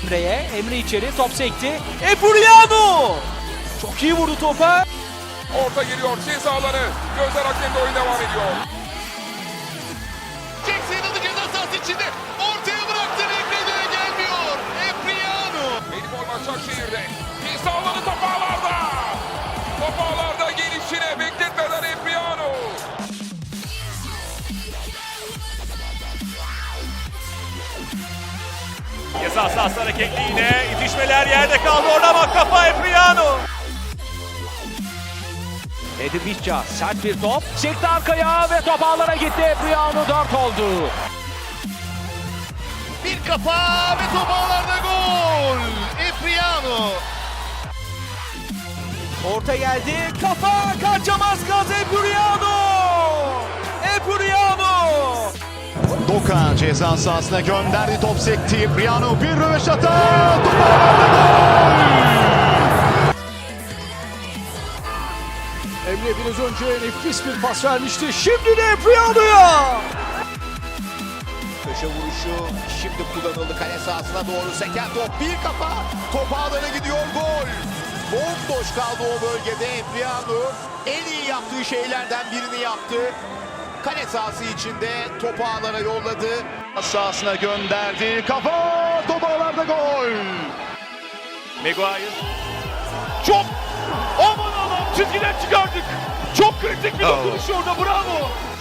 Emre içeri, top sekti. Epuriano! Çok iyi vurdu topa. Orta geliyor ceza alanı. Gözler hakemde oyun devam ediyor. Jackson adı ceza sahası içinde. Ortaya bıraktı. Emre'ye gelmiyor. Epuriano. Elif Başakşehir'de. Ceza alanı top ağlarda. Top ağlarda gelişine bekletmeden Epuriano. Ceza sahası hareketli yine. İtişmeler yerde kaldı. Orada bak kafa Epuriano. Edip İşça sert bir top. Çekti arkaya ve top ağlara gitti. Epuriano 4 oldu. Bir kafa ve top ağlarda gol. Epuriano. Orta geldi. Kafa kaçamaz gaz Epuriano. Epuriano. Doka ceza sahasına gönderdi, top sekti. Briano bir röveşata. Top ağlarda gol. Emre biraz önce nefis bir pas vermişti. Şimdi de Epuriano'ya. Köşe vuruşu şimdi kullanıldı kale sahasına doğru seken top. Bir kafa. Top ağlara gidiyor, gol. Bomboş kaldı o bölgede Epuriano. En iyi yaptığı şeylerden birini yaptı. Kale sahası içinde top ağlara yolladı. Sahasına gönderdi, kafa, top ağlarda gol. Maguire. Çok aman Allah'ım çizgiden çıkardık. Çok kritik bir dokunuş orada, bravo.